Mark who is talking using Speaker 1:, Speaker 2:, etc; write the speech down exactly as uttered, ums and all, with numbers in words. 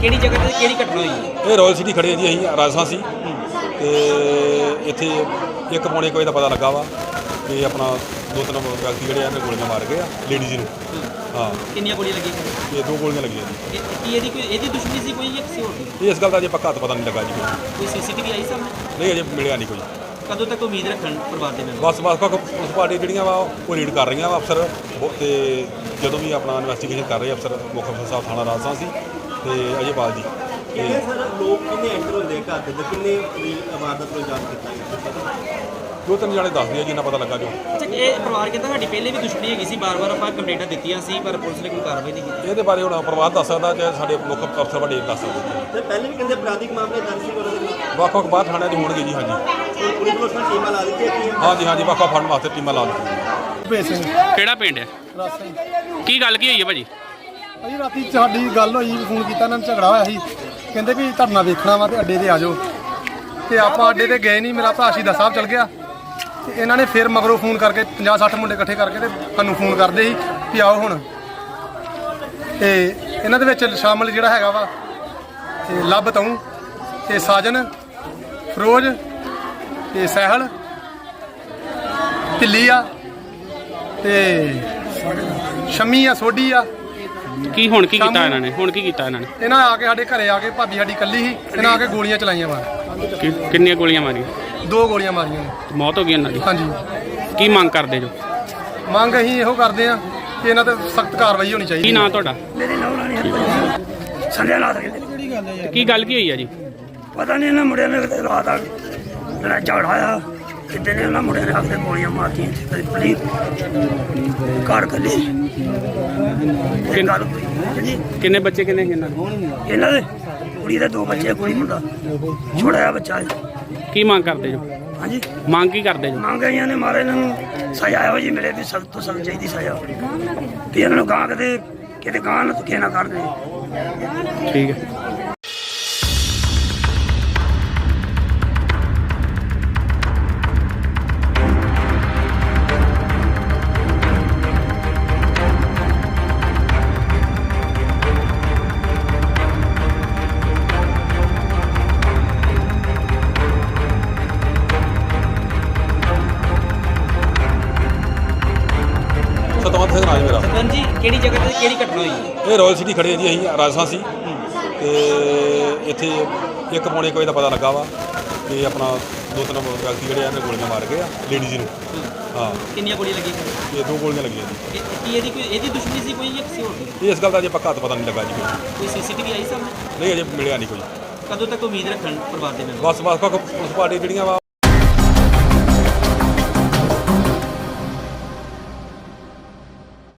Speaker 1: ਕਿਹੜੀ ਜਗ੍ਹਾ ਤੇ ਕਿਹੜੀ ਘਟਨਾ ਹੋਈ?
Speaker 2: ਇਹ ਰਾਇਲ ਸਿਟੀ ਖੜੇ ਜੀ, ਅਸੀਂ ਰਾਜਸਥਾਨ ਸੀ ਤੇ ਇੱਥੇ ਇੱਕ ਪੌਣੇ ਕੋਈ ਦਾ ਪਤਾ ਲੱਗਾ ਵਾ ਕਿ ਆਪਣਾ ਦੋ ਤਿੰਨ ਵਿਅਕਤੀ ਜਿਹੜੇ ਆ ਗੋਲੀਆਂ ਮਾਰ ਗਏ ਆ ਲੇਡੀਜ਼ ਨੂੰ। ਹਾਂ,
Speaker 1: ਕਿੰਨੀਆਂ ਗੋਲੀਆਂ ਲੱਗੀਆਂ?
Speaker 2: ਇਹ ਦੋ ਗੋਲੀਆਂ ਲੱਗੀਆਂ ਜੀ।
Speaker 1: ਇਹ- ਕੀ ਇਹਦੀ ਕੋਈ ਇਹਦੀ ਦੁਸ਼ਮਣੀ ਸੀ ਕੋਈ ਜਾਂ ਕਿਸੇ ਹੋਰ ਦੀ?
Speaker 2: ਇਹ ਇਸ ਗੱਲ ਦਾ ਅਜੇ ਪੱਕਾ ਤਾਂ ਪਤਾ ਨਹੀਂ ਲੱਗਾ ਜੀ ਕੋਈ।
Speaker 1: ਕੋਈ ਸੀਸੀਟੀਵੀ ਆਈ ਸਾਹਮਣੇ?
Speaker 2: ਨਹੀਂ, ਅਜੇ ਮਿਲਿਆ ਨਹੀਂ ਕੋਈ।
Speaker 1: ਕਦੋਂ ਤੱਕ ਉਮੀਦ ਰੱਖਣ ਪਰਿਵਾਰ ਦੇ ਮੈਂਬਰ?
Speaker 2: ਬਸ ਬਸ ਪੁਲਿਸ ਪਾਰਟੀ ਜਿਹੜੀਆਂ ਵਾ ਉਹ ਰੀਡ ਕਰ ਰਹੀਆਂ ਵਾ ਅਫਸਰ ਉਹ, ਤੇ ਜਦੋਂ ਵੀ ਆਪਣਾ ਇਨਵੈਸਟੀਗੇਸ਼ਨ ਕਰ ਰਹੇ ਅਫਸਰ, ਮੁੱਖ ਅਫਸਰ ਸਾਹਿਬ ਥਾਣਾ ਰਾਜਸਥਾਨ ਸੀ ਤੇ ਅਜੇਪਾਲ ਜੀ।
Speaker 3: ਕਿੰਨੇ ਸਰ ਲੋਕ ਕਿੰਨੇ ਐਂਟਰ ਹੁੰਦੇ ਘਰ ਦੇ ਅੰਦਰ, ਕਿੰਨੇ ਇਮਾਰਤ ਨੂੰ ਜਾਣ ਕੀਤਾ ਗਿਆ?
Speaker 2: ਦੋ ਤਿੰਨ ਜਾਣੇ ਦੱਸਦੇ ਆ ਜੀ, ਇੰਨਾ ਪਤਾ ਲੱਗਾ ਜੋ।
Speaker 1: ਅੱਛਾ, ਇਹ ਪਰਿਵਾਰ ਕਹਿੰਦਾ ਸਾਡੀ ਪਹਿਲੇ ਵੀ ਦੁਸ਼ਮਣੀ ਹੈਗੀ ਸੀ, ਬਾਰ-ਬਾਰ ਆਪਾਂ ਕੰਪਲੇਂਟਾਂ ਦਿੱਤੀਆਂ ਸੀ ਪਰ ਪੁਲਿਸ ਨੇ ਕੋਈ ਕਾਰਵਾਈ ਨਹੀਂ ਕੀਤੀ।
Speaker 2: ਇਹਦੇ ਬਾਰੇ ਹੁਣ ਪਰਿਵਾਰ ਦੱਸ ਸਕਦਾ ਜਾਂ ਸਾਡੇ ਮੁੱਖ ਅਫਸਰ ਵੱਡੇ ਦੱਸ ਸਕਦੇ।
Speaker 3: ਤੇ ਪਹਿਲੇ ਵੀ ਕਹਿੰਦੇ ਅਪਰਾਧਿਕ ਮਾਮਲੇ ਦਰਜ ਸੀ ਉਹਨਾਂ ਦੇ ਨਾਲ।
Speaker 2: ਵੱਖ ਵੱਖ ਬਾਹਰ ਥਾਣਿਆਂ 'ਚ ਹੋਣਗੇ ਜੀ। ਹਾਂਜੀ
Speaker 3: ਹੁਣ ਪੁਲਿਸ ਵੱਲੋਂ ਸਰ ਟੀਮਾਂ ਲਾ ਦਿੱਤੀਆਂ ਗਈਆਂ।
Speaker 2: ਹਾਂਜੀ ਹਾਂਜੀ ਵੱਖ ਵੱਖ ਫੜਨ ਵਾਸਤੇ ਟੀਮਾਂ ਲਾ ਦਿੱਤੀਆਂ।
Speaker 4: ਭੇਜ ਸਿੰਘ
Speaker 5: ਕਿਹੜਾ ਪਿੰਡ ਹੈ?
Speaker 4: ਰਾਸਤਾ
Speaker 5: ਕੀ ਗੱਲ ਕੀ ਹੋਈ ਹੈ ਭਾਜੀ?
Speaker 4: ਭਾਜੀ ਰਾਤੀ ਸਾਡੀ ਗੱਲ ਹੋਈ, ਫੋਨ ਕੀਤਾ ਇਹਨਾਂ ਨੂੰ, ਝਗੜਾ ਹੋਇਆ ਸੀ। ਕਹਿੰਦੇ ਵੀ ਧਰਨਾ ਵੇਖਣਾ ਵਾ ਤੇ ਅੱਡੇ ਤੇ ਆ ਜਾਓ, ਤੇ ਆਪਾਂ ਅੱਡੇ ਤੇ ਗਏ ਨਹੀਂ। ਮੇਰਾ ਭਰਾ ਸ਼ਹੀਦਾਂ ਸਾਹਿਬ ਚਲ ਗਿਆ ਤੇ ਇਹਨਾਂ ਨੇ ਫਿਰ ਮਗਰੋਂ ਫੋਨ ਕਰਕੇ ਪੰਜਾਹ ਸੱਠ ਮੁੰਡੇ ਇਕੱਠੇ ਕਰਕੇ ਤੇ ਸਾਨੂੰ ਫੋਨ ਕਰਦੇ ਸੀ ਵੀ ਆਓ ਹੁਣ। ਤੇ ਇਹਨਾਂ ਦੇ ਵਿੱਚ ਸ਼ਾਮਲ ਜਿਹੜਾ ਹੈਗਾ ਵਾ ਤੇ ਲੱਭ ਤੂੰ ਤੇ ਸਾਜਨ, ਫਿਰੋਜ਼ ਤੇ ਸਹਿਲ, ਢਿੱਲੀ ਆ ਤੇ ਸ਼ਮੀ ਆ, ਸੋਢੀ ਆ।
Speaker 5: ਕੀ ਹੁਣ ਕੀ ਕੀਤਾ ਇਹਨਾਂ ਨੇ? ਹੁਣ ਕੀ ਕੀਤਾ ਇਹਨਾਂ ਨੇ?
Speaker 4: ਇਹਨਾਂ ਆ ਕੇ ਸਾਡੇ ਘਰੇ ਆ ਕੇ, ਭਾਬੀ ਸਾਡੀ ਇਕੱਲੀ ਸੀ, ਇਹਨਾਂ ਆ ਕੇ ਗੋਲੀਆਂ ਚਲਾਈਆਂ ਵਾ।
Speaker 5: ਕਿ- ਕਿੰਨੀਆਂ ਗੋਲੀਆਂ ਮਾਰੀਆਂ?
Speaker 4: ਦੋ ਗੋਲੀਆਂ ਮਾਰੀਆਂ ਨੇ।
Speaker 5: ਮੌਤ ਹੋ ਗਈ ਇਹਨਾਂ ਦੀ?
Speaker 4: ਹਾਂਜੀ,
Speaker 5: ਕੀ ਮੰਗ ਕਰਦੇ ਜੋ?
Speaker 4: ਮੰਗ ਅਸੀਂ ਇਹੋ ਕਰਦੇ ਆ ਕਿ ਇਹਨਾਂ ਤੇ ਸਖਤ ਕਾਰਵਾਈ ਹੋਣੀ
Speaker 5: ਕੀ
Speaker 4: ਚਾਹੀਦੀ।
Speaker 5: ਨਾਂ ਤੁਹਾਡਾ?
Speaker 6: ਸੰਜੇ ਨਾਥ ਕਹਿੰਦੇ
Speaker 5: ਤੇ ਕੀ ਗੱਲ ਕੀ ਹੋਈ ਹੈ ਜੀ?
Speaker 6: ਪਤਾ ਨਹੀਂ ਇਹਨਾਂ ਮੁੰਡਿਆਂ ਨੇ ਕਿਤੇ ਰਾਤ ਆ ਜਿਹੜਾ ਝਗੜਾ ਆ ਕਿਤੇ ਨੇ ਉਹਨਾਂ ਮੁੰਡਿਆਂ ਨੇ ਆ ਕੇ ਗੋਲੀਆਂ ਮਾਰਤੀਆਂ ਕਦੇ ਪਲੀ ਘਰ ਕੱਲੀ ਇਹ ਗੱਲ ਹੋਈ ਜੀ।
Speaker 5: ਕਿੰਨੇ ਬੱਚੇ ਕਿੰਨੇ ਸੀ ਇਹਨਾਂ ਦੇ?
Speaker 6: ਇਹਨਾਂ ਦੇ ਕੁੜੀ ਦੇ ਦੋ ਬੱਚੇ, ਕੁੜੀ ਮੁੰਡਾ ਛੋੜਾ ਜਿਹਾ ਬੱਚਾ ਹੈ।
Speaker 5: ਕੀ ਮੰਗ ਕਰਦੇ ਜੋ?
Speaker 6: ਹਾਂਜੀ,
Speaker 5: ਮੰਗ ਕੀ ਕਰਦੇ ਜੋ?
Speaker 6: ਮੰਗ ਆਈਆਂ ਨੇ ਮਾਰੇ ਇਹਨਾਂ ਨੂੰ ਸਜ਼ਾ ਇਹੋ ਜੀ ਮਿਲੇ ਵੀ ਸਖਤ ਤੋਂ ਸਖਤ ਚਾਹੀਦੀ ਸਜ਼ਾ ਵੀ ਇਹਨਾਂ ਨੂੰ ਗਾਂ ਕਿਤੇ ਕਿਤੇ ਗਾਂ ਨਾ ਧੱਕੇ ਨਾ ਕਰਦੇ।
Speaker 5: ਠੀਕ ਹੈ।
Speaker 2: ਸਤਵੰਤ ਸਿੰਘ ਰਾਜ ਮੇਰਾ।
Speaker 1: ਸਤਵੰਤ ਜੀ, ਕਿਹੜੀ ਜਗ੍ਹਾ ਤੇ ਕਿਹੜੀ ਘਟਨਾ ਹੋਈ?
Speaker 2: ਇਹ ਰਾਇਲ ਸਿਟੀ ਖੜੇ ਜੀ, ਅਸੀਂ ਰਾਜਸਥਾਨ ਸੀ ਤੇ ਇੱਥੇ ਇੱਕ ਪੌਣੇ ਕੋਈ ਦਾ ਪਤਾ ਲੱਗਾ ਵਾ ਕਿ ਆਪਣਾ ਦੋ ਤਿੰਨ ਵਿਅਕਤੀ ਜਿਹੜੇ ਆ ਗੋਲੀਆਂ ਮਾਰ ਗਏ ਆ ਲੇਡੀਜ਼ ਨੂੰ। ਹਾਂ,
Speaker 1: ਕਿੰਨੀਆਂ ਗੋਲੀਆਂ ਲੱਗੀਆਂ?
Speaker 2: ਇਹ ਦੋ ਗੋਲੀਆਂ ਲੱਗੀਆਂ ਜੀ।
Speaker 1: ਇਹ- ਕੀ ਇਹਦੀ ਕੋਈ ਇਹਦੀ ਦੁਸ਼ਮਣੀ ਸੀ ਕੋਈ ਜਾਂ ਕਿਸੇ ਹੋਰ ਦੀ?
Speaker 2: ਇਹ ਇਸ ਗੱਲ ਦਾ ਅਜੇ ਪੱਕਾ ਤਾਂ ਪਤਾ ਨਹੀਂ ਲੱਗਾ ਜੀ ਕੋਈ।
Speaker 1: ਕੋਈ ਸੀਸੀਟੀਵੀ ਆਈ ਸਾਹਮਣੇ?
Speaker 2: ਨਹੀਂ, ਅਜੇ ਮਿਲਿਆ ਨਹੀਂ ਕੋਈ।
Speaker 1: ਕਦੋਂ ਤੱਕ ਉਮੀਦ ਰੱਖਣ ਪਰਿਵਾਰ ਦੇ ਮੈਂਬਰ?
Speaker 2: ਬਸ ਬਸ ਪੁਲਿਸ ਪਾਰਟੀ ਜਿਹੜੀਆਂ ਵਾ